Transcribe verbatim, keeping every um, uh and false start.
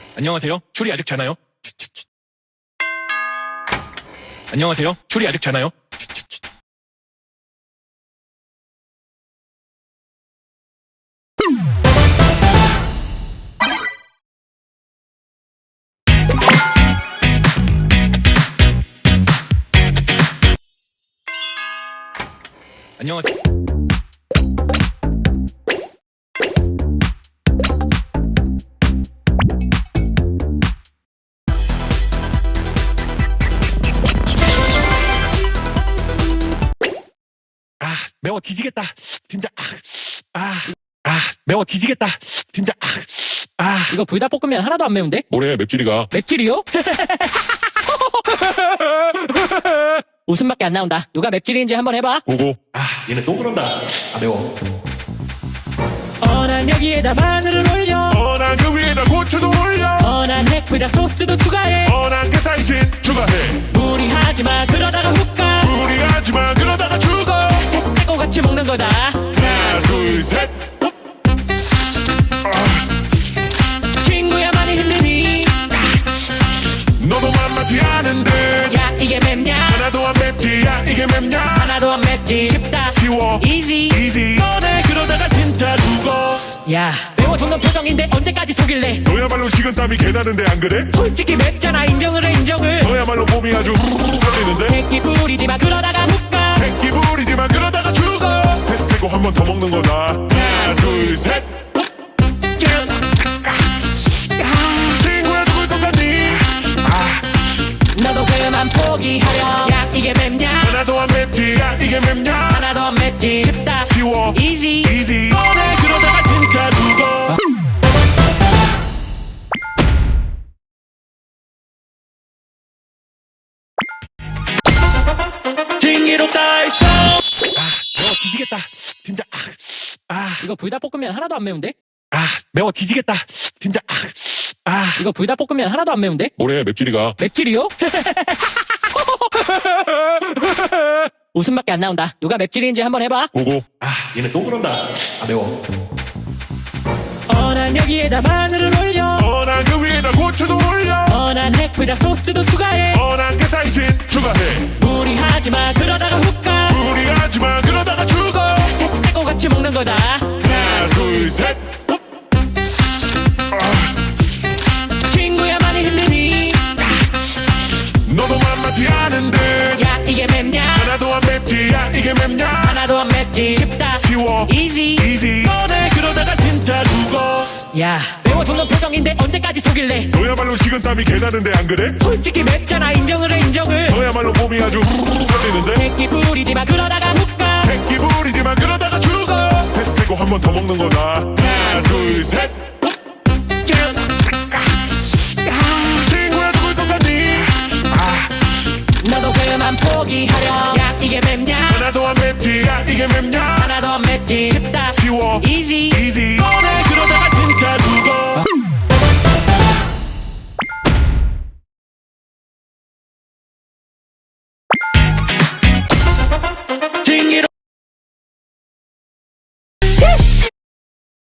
안녕하세요. 추리 아직 자나요? 안녕하세요. 추리 아직 자나요? 안녕하세요. 아, 매워 뒤지겠다. 진짜. 아, 아, 아, 매워 뒤지겠다. 진짜. 아, 아. 이거 불닭볶음면 하나도 안 매운데? 뭐래 맵찔이가. 맵찔이요? 웃음밖에 안 나온다. 누가 맵찔인지 한번 해봐. 보고. 아, 얘네 또 그런다. 아, 매워. 어, 난 여기에다 마늘을 올려. 어난 그 위에다 고추도 올려. 어, 난 핵불닭 소스도 추가해. 어난 게타이신 추가해. 무리하지마 그러다가 훅가. 무리하지마 그러다가 죽어. 새싹고 같이 먹는 거다. 하나 둘셋. 친구야 많이 힘드니? 너도 만만치 않은데. 야 이게 맵냐? 하나도 안 맵지. 야 이게 맵냐. 하나도 안 맵지. 쉽다 쉬워. 이지 이지. 너네 그러다가 진짜 죽어. 야 매워 죽는 표정인데 언제까지 속일래? 너야말로 식은땀이 개나는데 안 그래? 솔직히 맵잖아. 인정을 해 인정을. 너야말로 몸이 아주 떨리는데. 백기 부리지마 그러다가 훅가. 백기 부리지만 그러다가 죽어. 새세고 한 번 더 먹는 거다. 하나 둘셋. 친구야 죽을 것 같니? 아 너도 그만 포기하렴. 야 이게 맵냐? 하나도 안 맵지. 야 이게 맵냐. 하나도 안 맵지. 쉽다 쉬워. 이지 이지. 너네 그러다가 진짜 죽어. 징기롭다 했어. 아, 매워 뒤지겠다. 진짜. 아, 아, 이거 불닭볶음면 하나도 안 매운데? 아, 매워 뒤지겠다. 진짜. 아, 아. 이거 불닭볶음면 하나도 안 매운데? 뭐래 맵찔이가. 맵찔이요? 웃음밖에 안 나온다. 누가 맵찔인지 한번 해봐. 보고. 아, 얘네 또 그런다. 아, 매워. 어, 난 여기에다 마늘을 올려. 어난 그 위에다 고추도 올려. 어, 난 핵불닭 소스도 추가해. 어난 게타이신 추가해. 무리하지마 그러다가 훅가. 무리하지마 그러다가 죽어. 새싹고 같이 먹는 거다. 하나 둘셋. 친구야 많이 힘드니? 너도 만만치 않은데. 야 이게 맵냐? 하나도 안 맵지. 야 이게 맵냐. 하나도 안 맵지. 쉽다 쉬워. 이지 이지. 너네 그러다가 진짜 죽어. 야 매워 죽는 표정인데 언제까지 속일래? 너야말로 식은땀이 개나는데 안 그래? 솔직히 맵잖아. 인정을 해 인정을. 너야말로 몸이 아주 떨리는데. 백기 부리지마 그러다가 훅가. 백기 부리지만 그러다가 죽어. 새세고 한 번 더 먹는 거다. 하나 둘셋. 친구야 죽을 것 같니? 아 너도 그만 포기하렴. 야 이게 맵냐? 하나도 안 맵지. 야 이게 맵냐. 하나도 안 맵지. 쉽다 쉬워. 이지 이지. 너네 그러다가 진짜 죽어.